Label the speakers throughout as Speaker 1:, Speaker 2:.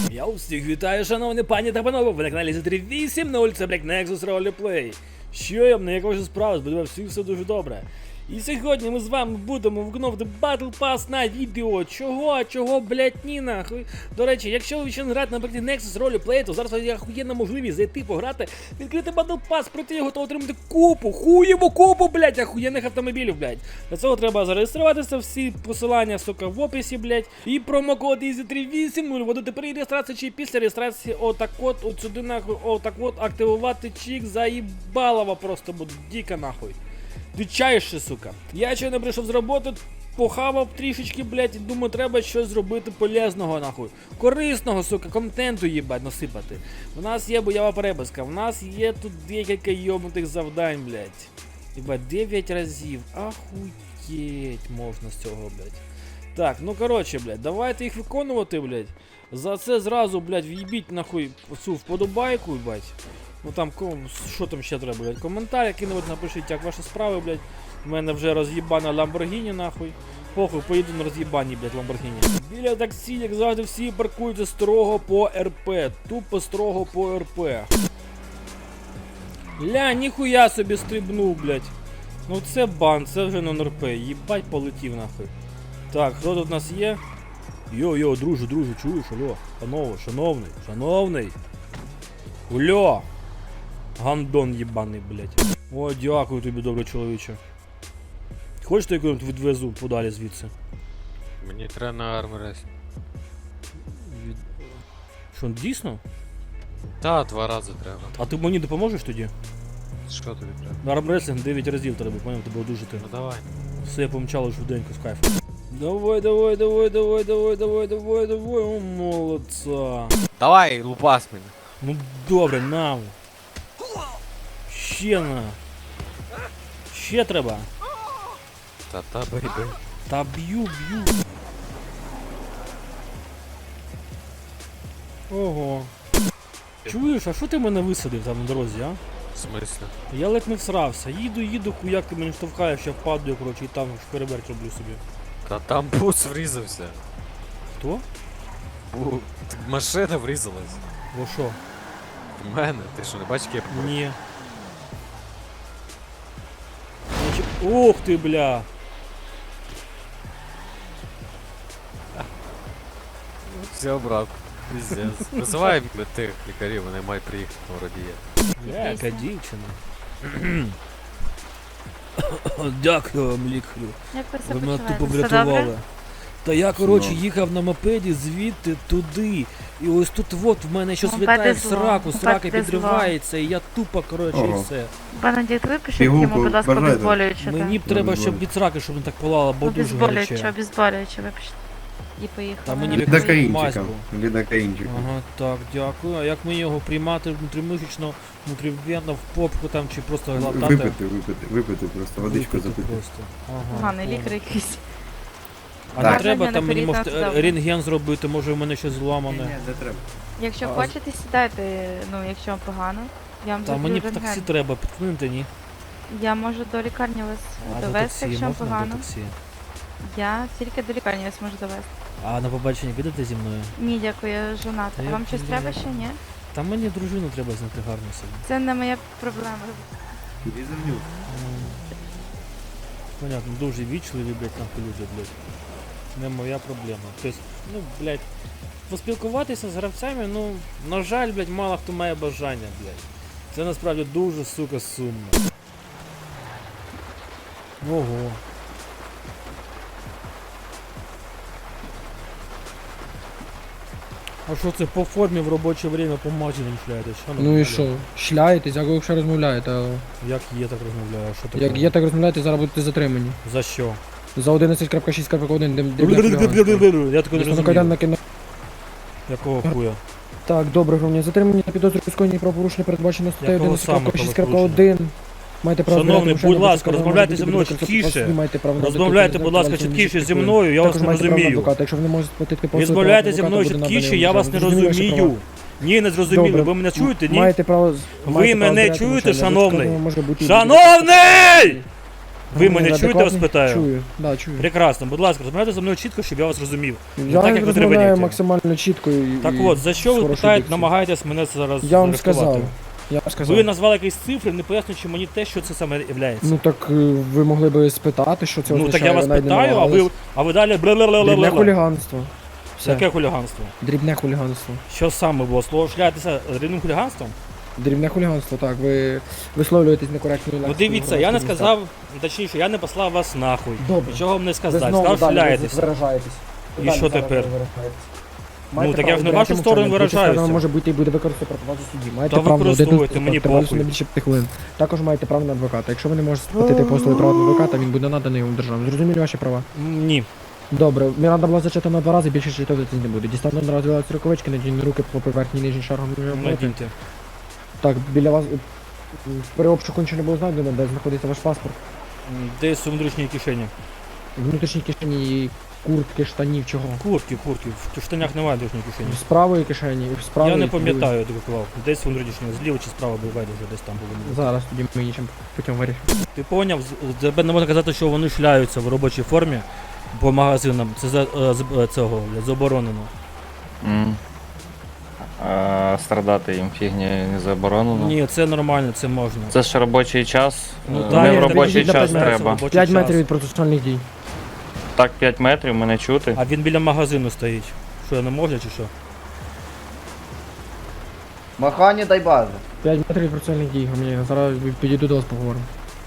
Speaker 1: Я усіх вітаю, шановні пані та панове, ви на каналі Z380, це Black Nexus Roleplay. Що я як ваші справи, сподіваюся, всіх все дуже добре. І сьогодні ми з вами будемо виконувати Battle Pass на відео. Чого, блять, ні нахуй. До речі, якщо ви ще не граєте на Black Nexus Roleplay, то зараз є охуєнна можливість зайти пограти, відкрити Battle Pass, пройти його та отримати купу, блять, охуєнних автомобілів, блять. Для цього треба зареєструватися, всі посилання, сука, в описі, блять. І промокод EASY380, вводити при реєстрації чи після реєстрації, отак от сюди нахуй, отак от активувати чик, заїбалово просто буде, дико нахуй. Дичайше, сука. Я ще не прийшов з роботи, похавав трішечки, блять, і думаю, треба щось зробити полезного, нахуй. Корисного, сука, контенту, їбать, насипати. У нас є бойова переписка, у нас є тут декілька йобнутих завдань, блять. Їбать, 9 разів. Ахуєть можна з цього, блять. Так, ну коротше, блять, давайте їх виконувати, блять. За це зразу, блять, в'їбіть, нахуй, цю вподобайку, блять. Ну там, що там ще треба, блядь, коментар, який-небудь напишіть, як ваші справи, блядь. У мене вже роз'їбана Lamborghini, нахуй. Похуй, поїду на роз'їбані, блядь, Lamborghini. Біля таксі, як завжди, всі паркуються строго по РП. Тупо строго по РП. Ля, ніхуя собі стрибнув, блядь. Ну це бан, це вже нон-РП. Їбать, полетів, нахуй. Так, хто тут у нас є? Йо, друже, чуєш, алло. Панове, шановний. Ульо! Гандон єбаний, блять. О, дякую тобі, добре чоловіче. Хочеш, я якось відвезу подалі звідси?
Speaker 2: Мені треба на армрес.
Speaker 1: Що, дійсно?
Speaker 2: Та, 2 рази треба.
Speaker 1: А ти мені допоможеш тоді?
Speaker 2: Що тобі треба?
Speaker 1: На армреслінг 9 разів треба, поняв, тебе одужати.
Speaker 2: Ну давай.
Speaker 1: Все, я помчало швиденько з кайфом. Давай, о, молодца.
Speaker 2: Давай, лупас мене.
Speaker 1: Ну добре, нам. Ще на. Ще треба.
Speaker 2: Та, бейбей.
Speaker 1: Та б'ю. Ого. Чуєш, а що ти мене висадив там на дорозі, а?
Speaker 2: В смислі?
Speaker 1: Я ледь не всрався. Їду, хуяк ти мене штовхаєш, я впаду, коротше, і там шпереберть роблю собі.
Speaker 2: Та там бус врізався.
Speaker 1: Хто?
Speaker 2: Машина врізалась.
Speaker 1: Во що?
Speaker 2: В мене. Ти що, не бачиш, як я побив?
Speaker 1: Ні. Ух ти, бля!
Speaker 2: Все, брат. Пиздец. Визивай тих лікарів, вони мають приїхати на водія.
Speaker 1: Яка дівчина. Дякую вам, лікарю.
Speaker 3: Як ви
Speaker 1: Ви
Speaker 3: себе
Speaker 1: мене тупо
Speaker 3: почуваєте? Все добре?
Speaker 1: врятували. Та я, коротше, їхав на мопеді звідти туди. І ось тут от в мене щось
Speaker 3: Мопеди
Speaker 1: літає в
Speaker 3: зло.
Speaker 1: сраку, срака
Speaker 3: Мопеди
Speaker 1: підривається, і я тупо, коротше, і все.
Speaker 3: Пане дід, випишіть
Speaker 4: Пігулку
Speaker 3: йому, будь ласка,
Speaker 4: бажаєте?
Speaker 3: обезболююче.
Speaker 1: Мені б треба, щоб від сраки, щоб не так палало, бо дуже
Speaker 3: Обезболююче,
Speaker 1: гаряче.
Speaker 3: обезболююче, випишіть. І поїхали.
Speaker 1: Та мені
Speaker 4: Лідокаїнчиком. Лідокаїнчиком.
Speaker 1: Ага, так, дякую. А як мені його приймати внутрімишечно, внутрівенно, в попку там, чи просто глотати?
Speaker 4: Випити просто, водичку
Speaker 1: Випити
Speaker 4: запити.
Speaker 1: просто. Ага,
Speaker 3: Поганий
Speaker 1: понял.
Speaker 3: лікар якийсь.
Speaker 1: А
Speaker 4: Так.
Speaker 1: не треба
Speaker 3: Бажання
Speaker 1: там мені,
Speaker 3: наперед
Speaker 1: може,
Speaker 3: на завтра.
Speaker 1: рентген зробити, може в мене щось зламане.
Speaker 4: не треба.
Speaker 3: Якщо
Speaker 1: А,
Speaker 3: хочете, сідайте, ну, якщо вам погано. Я вам
Speaker 1: Та мені
Speaker 3: зроблю
Speaker 1: б таксі
Speaker 3: рентген.
Speaker 1: треба, підкинути, ні?
Speaker 3: Я можу до лікарні вас
Speaker 1: А до
Speaker 3: довести,
Speaker 1: таксі
Speaker 3: якщо вам
Speaker 1: можна до
Speaker 3: погано.
Speaker 1: таксі?
Speaker 3: Я тільки до лікарні вас можу довести.
Speaker 1: А на побачення підете зі мною?
Speaker 3: Ні, дякую, я жоната.
Speaker 1: Та я
Speaker 3: Вам щось
Speaker 1: розумію.
Speaker 3: треба ще, ні?
Speaker 1: Та мені дружину треба знайти гарну собі.
Speaker 3: Це не моя проблема.
Speaker 4: Візернюк.
Speaker 1: Понятно, дуже вічливі, блядь, нахуй люди, блядь. Не моя проблема. Тобто, ну, блядь, поспілкуватися з гравцями, ну, на жаль, блядь, мало хто має бажання, блядь. Це насправді дуже, сука, сумно. Ого. А що це по формі в робоче время по магазинам шляєтесь?
Speaker 5: Ну і що? Шляєтесь, як ви якщо розмовляєте, а
Speaker 1: Як є, так розмовляю, що таке?
Speaker 5: як є так розмовляєте, зараз будете затримані.
Speaker 1: За що?
Speaker 5: За 11.6.1
Speaker 1: Я такого не розумію. Якого хуя?
Speaker 5: Так, добре, громадяни, затримані на підозру у скоєнні правопорушення передбачено статтею
Speaker 1: Якого саме
Speaker 5: 11.6.1. Маєте право
Speaker 1: Шановний,
Speaker 5: збирати
Speaker 1: будь ласка,
Speaker 5: машину,
Speaker 1: розмовляйте
Speaker 5: будь-яке
Speaker 1: зі мною
Speaker 5: будь-яке
Speaker 1: чіткіше.
Speaker 5: посвідчення, маєте право на
Speaker 1: Розмовляйте,
Speaker 5: адвоката,
Speaker 1: будь ласка,
Speaker 5: адвоката,
Speaker 1: чіткіше зі
Speaker 5: адвоката.
Speaker 1: мною, я вас
Speaker 5: Також
Speaker 1: не
Speaker 5: маєте право на
Speaker 1: розумію.
Speaker 5: адвоката. Якщо ви не можете платити послуги,
Speaker 1: Розмовляйте зі
Speaker 5: адвоката
Speaker 1: мною
Speaker 5: буде
Speaker 1: чіткіше,
Speaker 5: наданий
Speaker 1: я
Speaker 5: вам
Speaker 1: вас не
Speaker 5: зрозуміло, що
Speaker 1: розумію.
Speaker 5: право.
Speaker 1: Ні, не зрозуміли,
Speaker 5: Добре.
Speaker 1: ви мене чуєте, ні?
Speaker 5: Маєте право...
Speaker 1: Ви
Speaker 5: маєте право
Speaker 1: мене
Speaker 5: збирати
Speaker 1: чуєте,
Speaker 5: машину,
Speaker 1: шановний?
Speaker 5: адвокат може бути-
Speaker 1: Шановний! Ви мене
Speaker 5: Адекватний?
Speaker 1: чуєте, я вас питаю?
Speaker 5: Чую, да, чую.
Speaker 1: Прекрасно, будь ласка, розмовляйте зі мною чітко, щоб я вас розумів.
Speaker 5: Я
Speaker 1: так, як ви
Speaker 5: розмовляю
Speaker 1: требуєте.
Speaker 5: максимально чітко і...
Speaker 1: Так
Speaker 5: і
Speaker 1: от, за що ви
Speaker 5: з хорошою
Speaker 1: питаєте,
Speaker 5: дикцією.
Speaker 1: намагаєтесь мене зараз
Speaker 5: Я вам
Speaker 1: заарештувати?
Speaker 5: сказав. Я вам сказав.
Speaker 1: Ви назвали якісь цифри, не пояснюючи мені те, що це саме являється.
Speaker 5: Ну так ви могли би спитати, що це
Speaker 1: Ну
Speaker 5: означає.
Speaker 1: так я вас
Speaker 5: ви навіть не
Speaker 1: питаю,
Speaker 5: намагались.
Speaker 1: а ви далі
Speaker 5: Дрібне
Speaker 1: бла-бла-бла-бла-бла.
Speaker 5: хуліганство. Все.
Speaker 1: Яке хуліганство?
Speaker 5: Дрібне хуліганство.
Speaker 1: Що саме було? Слово шляєтеся дрібним хуліганством?
Speaker 5: Дрібне хуліганство, так. Ви висловлюєтесь некоректною
Speaker 1: Ну
Speaker 5: лексикою.
Speaker 1: дивіться, я не сказав, точніше, я не послав вас нахуй.
Speaker 5: Добре.
Speaker 1: Нічого вам не
Speaker 5: Ви
Speaker 1: сказав,
Speaker 5: знову
Speaker 1: сказав,
Speaker 5: далі
Speaker 1: шляєтеся.
Speaker 5: виражаєтесь.
Speaker 1: І
Speaker 5: Далі
Speaker 1: що
Speaker 5: зараз
Speaker 1: тепер?
Speaker 5: ви виражаєтесь.
Speaker 1: Ну,
Speaker 5: Маєте
Speaker 1: так я
Speaker 5: право
Speaker 1: ж не в
Speaker 5: зберігати
Speaker 1: вашу сторону
Speaker 5: мовчання. Будь-яка
Speaker 1: виражаюся.
Speaker 5: сторона може бути і буде використати проти вас у суді. Маєте
Speaker 1: Та
Speaker 5: право на один
Speaker 1: використовуйте,
Speaker 5: доступ,
Speaker 1: мені
Speaker 5: тривалістю
Speaker 1: похуй.
Speaker 5: не більше 5 хвилин. Також маєте право на адвоката. Якщо ви не можете сплатити послуги приватного адвоката, він буде наданий вам державою. Зрозуміли ваші права?
Speaker 1: Ні.
Speaker 5: Добре, Міранда була зачитана 2 рази, більше читати не буде. Дістану одразу рукавички, надійні руки по поверхні нижній шаргом.
Speaker 1: Надіньте.
Speaker 5: Так, біля вас при обшуку нічого не було знайдено, де знаходиться ваш паспорт.
Speaker 1: Десь у внутрішній кишені.
Speaker 5: Внутрішні кишені, куртки, штанів, чого?
Speaker 1: Куртки. В штанях немає внутрішньої кишені.
Speaker 5: З правої кишені, з правої.
Speaker 1: Я не
Speaker 5: з лівої.
Speaker 1: пам'ятаю, де клав. Десь внутрішнього, зліва чи справа буває, вже десь там було.
Speaker 5: Зараз тоді ми іншим путем вирішимо.
Speaker 1: Ти поняв, тебе не можна казати, що вони шляються в робочій формі по магазинам. Це цього заборонено.
Speaker 6: А страдати їм фігні не заборонено.
Speaker 1: Ні, це нормально, це можна.
Speaker 6: Це ж робочий час.
Speaker 1: Ну,
Speaker 6: Не
Speaker 1: так,
Speaker 6: в
Speaker 1: я
Speaker 6: робочий
Speaker 5: так
Speaker 6: час
Speaker 5: підійдіть на
Speaker 6: треба.
Speaker 1: робочий
Speaker 5: 5
Speaker 1: час.
Speaker 5: метрів від процесуальних дій.
Speaker 6: Так, 5 метрів мене чути.
Speaker 1: А він біля магазину стоїть. Що, я не можу чи що?
Speaker 7: Махані дай базу.
Speaker 5: 5 метрів від процесуальних дій, громадянин. Зараз підійду до вас поговоримо.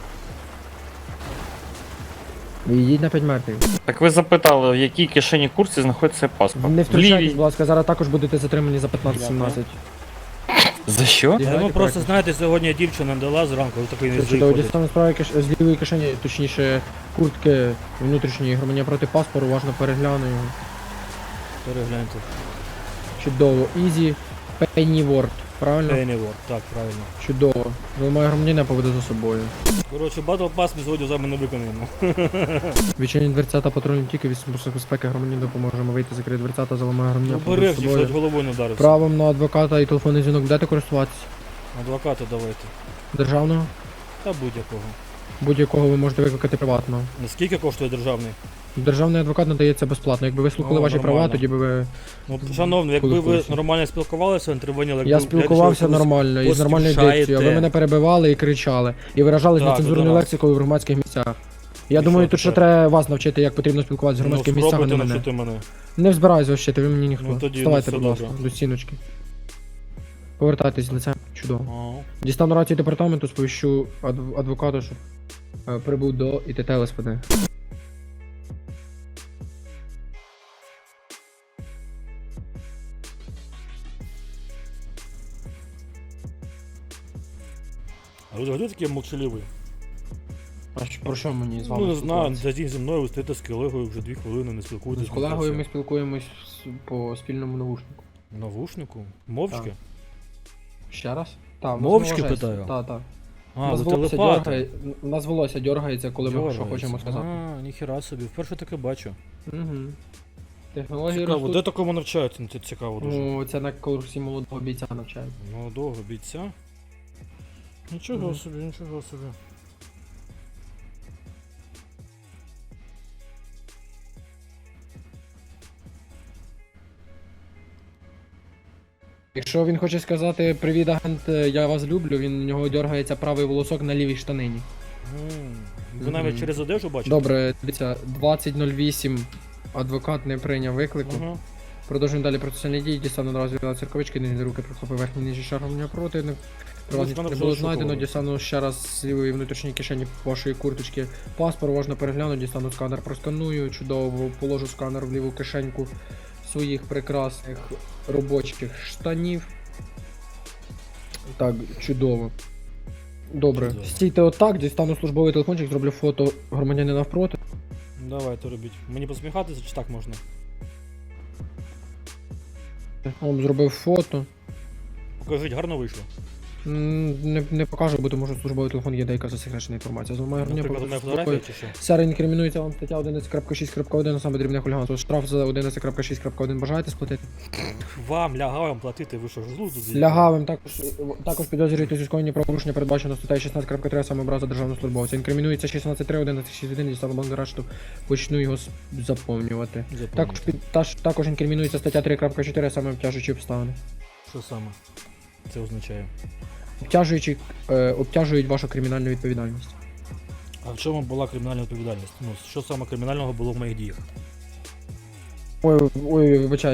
Speaker 5: Йдіть на 5 метрів.
Speaker 6: Так ви запитали, в якій кишені курсі знаходиться паспорт?
Speaker 5: Не
Speaker 6: В
Speaker 5: втручайтесь,
Speaker 6: лівій.
Speaker 5: будь ласка, зараз також будете затримані за 15-17.
Speaker 6: За що?
Speaker 1: Ну
Speaker 5: Знаєте,
Speaker 1: просто,
Speaker 5: так.
Speaker 1: знаєте, сьогодні дівчина дала зранку, такий не
Speaker 5: Чудово,
Speaker 1: заходить.
Speaker 5: дістану справи з лівої кишені, точніше, куртки внутрішньої громадянина проти паспору, уважно перегляну його.
Speaker 1: Перегляньте.
Speaker 5: Чудово. Easy Pennyworth, правильно?
Speaker 1: Pennyworth, так, правильно.
Speaker 5: Чудово. Вимагає громадянина поведе за собою.
Speaker 1: Коротше, Battle Pass ми сьогодні з вами не виконаємо.
Speaker 5: Відчиніть дверцята патрульні тільки від служби безпеки громадянин допоможемо вийти, закрити дверцята, заламає громадянина поведе за
Speaker 1: Обережні, що
Speaker 5: собою.
Speaker 1: головою не вдарився.
Speaker 5: Правом на адвоката і телефонний дзвінок будете користуватися?
Speaker 1: Адвоката давайте.
Speaker 5: Державного?
Speaker 1: Та будь-якого.
Speaker 5: Будь-якого ви можете викликати приватного.
Speaker 1: Наскільки коштує державний?
Speaker 5: Державний адвокат надається безплатно. Якби ви слухали
Speaker 1: О,
Speaker 5: ваші права,
Speaker 1: нормально.
Speaker 5: тоді би ви...
Speaker 1: Ну, шановний, якби ви
Speaker 5: Користуюся.
Speaker 1: нормально спілкувалися, інтервенували,
Speaker 5: Я спілкувався нормально і з нормальною дикцією, а ви мене перебивали і кричали. І виражались
Speaker 1: Так,
Speaker 5: нецензурною
Speaker 1: до нас.
Speaker 5: лексикою в громадських місцях. Я
Speaker 1: І
Speaker 5: думаю,
Speaker 1: що
Speaker 5: тут ще
Speaker 1: тепер?
Speaker 5: треба вас навчити, як потрібно спілкуватися в громадських місцях, а не
Speaker 1: спробуйте
Speaker 5: мене.
Speaker 1: навчити мене.
Speaker 5: Не збираюсь вас вчити, ви мені ніхто.
Speaker 1: Ну, тоді,
Speaker 5: Вставайте,
Speaker 1: ну,
Speaker 5: будь
Speaker 1: все
Speaker 5: ласка,
Speaker 1: добре.
Speaker 5: до стіночки. Повертайтесь лицем. Чудово.
Speaker 1: О.
Speaker 5: Дістану рацію департаменту, сповіщу адвокату, щоб прибув до ІТТ ЛСПД.
Speaker 1: А ви взагалі такий молчаливий?
Speaker 5: А про що мені з вами
Speaker 1: Ну не знаю,
Speaker 5: спілкуватися?
Speaker 1: за день зі мною ви стоїте з колегою вже 2 хвилини, не спілкуєтесь.
Speaker 5: З колегою ми спілкуємось по спільному навушнику.
Speaker 1: Навушнику? Мовчки?
Speaker 5: Так. Ще раз? Так,
Speaker 1: Мовчки питаю?
Speaker 5: Так, так.
Speaker 1: А, ви телепати.
Speaker 5: У нас волосся дергається, коли ми що хочемо сказати.
Speaker 1: А, ніхіра собі, вперше таке бачу.
Speaker 5: Угу. Технології
Speaker 1: Цікаво, де
Speaker 5: ростуть.
Speaker 1: такому навчають? Це цікаво дуже.
Speaker 5: Ну, це на курсі молодого бійця навчають.
Speaker 1: Молодого бійця? Нічого
Speaker 5: Мгм.
Speaker 1: собі, нічого собі.
Speaker 5: Якщо він хоче сказати привіт, агент, я вас люблю, у нього дергається правий волосок на лівій штанині.
Speaker 1: Ви навіть
Speaker 5: Мгм.
Speaker 1: через одежу бачите?
Speaker 5: Добре, дивіться, 20.08 адвокат не прийняв виклику.
Speaker 1: Ага.
Speaker 5: Продовжуємо далі процесуальні дії, дістану одразу від церковички, нижні руки прихопив верхній нижній шар громадянина противник. При вас
Speaker 1: мене
Speaker 5: не
Speaker 1: вже
Speaker 5: було знайдено,
Speaker 1: розшукували.
Speaker 5: дістану ще раз з лівої внутрішньої кишені вашої курточки паспорт, уважно перегляну, дістану сканер, просканую, чудово, положу сканер в ліву кишеньку своїх прекрасних робочих штанів. Так, чудово. Добре,
Speaker 1: Чудово.
Speaker 5: стійте отак, дістану службовий телефончик, зроблю фото громадянина навпроти.
Speaker 1: Давайте робіть. Мені посміхатися чи так можна?
Speaker 5: Вам зробив фото.
Speaker 1: Покажіть, гарно вийшло.
Speaker 5: Не покажу, бо тому що службовий телефон є деяка засекречена інформація. Зламаю гривня,
Speaker 1: Наприклад, моя фотографія чи що?
Speaker 5: Сера інкримінується вам стаття 11.6.1, саме дрібне хуліганство. Штраф за 11.6.1 бажаєте сплатити?
Speaker 1: Вам, лягавим платити, ви що ж глузду з'їхали?
Speaker 5: Лягавим також підозрюєтесь у скоєнні правопорушення, передбачено статтею 16.3, саме образа державного службовця. Інкримінується 16.3, 11.6.1, дістану банк арешту, почну його заповнювати. Також інкримінується стаття 3.4, саме обтяжуючі обставини.
Speaker 1: Що саме це означає?
Speaker 5: Обтяжують вашу кримінальну відповідальність.
Speaker 1: А в чому була кримінальна відповідальність? Ну, що саме кримінального було в моїх діях?
Speaker 5: Ой, вибачаю,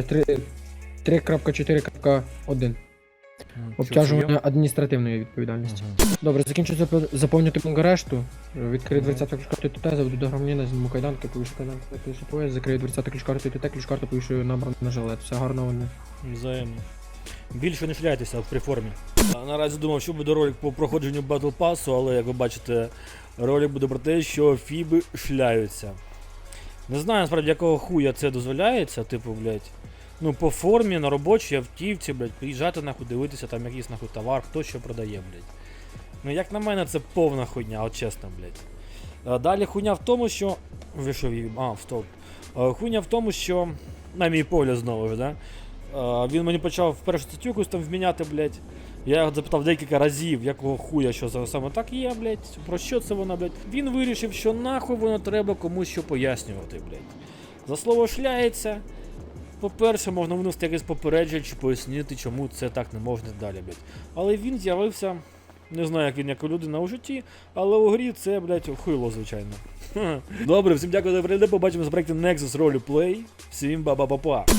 Speaker 5: 3.4.1. Обтяжування адміністративної відповідальності. Добре, закінчу заповнювати пункт арешту. Відкрию дверцяту ключ-карту ТТ, заведу до громадянина, зніму кайданки, повішу кайданки, повішу пояс, закрию дверцяту ключ-карту ТТ, ключ-карту повішу набрано на жилет. Все гарного дня.
Speaker 1: Взаємно. Більше не шляйтеся при формі. Наразі думав, що буде ролик по проходженню Battle Pass, але як ви бачите, ролик буде про те, що фіби шляються. Не знаю, насправді, якого хуя це дозволяється, типу, блядь. Ну, по формі, на робочій автівці, блядь, приїжджати нахуй, дивитися там якийсь нахуй товар, хто що продає, блядь. Ну, як на мене, це повна хуйня, от чесно, блядь. Далі хуйня в тому, що... Ви що, стоп. Хуйня в тому, що... На мій погляд знову ж, да? Він мені почав першу статтю якусь там вміняти, блядь. Я його запитав декілька разів, якого хуя, що це саме так є, блядь. Про що це воно, блядь. Він вирішив, що нахуй воно треба комусь що пояснювати, блядь. За слово шляється. По-перше, можна винести якесь попередження чи пояснити, чому це так не можна далі, блядь. Але він з'явився, не знаю, як він як людина у житті, але у грі це, блядь, хуйло, звичайно. Добре, всім дякую за перегляд, побачимося в проєкті Nexus Roleplay. Всім ба-ба-ба-па.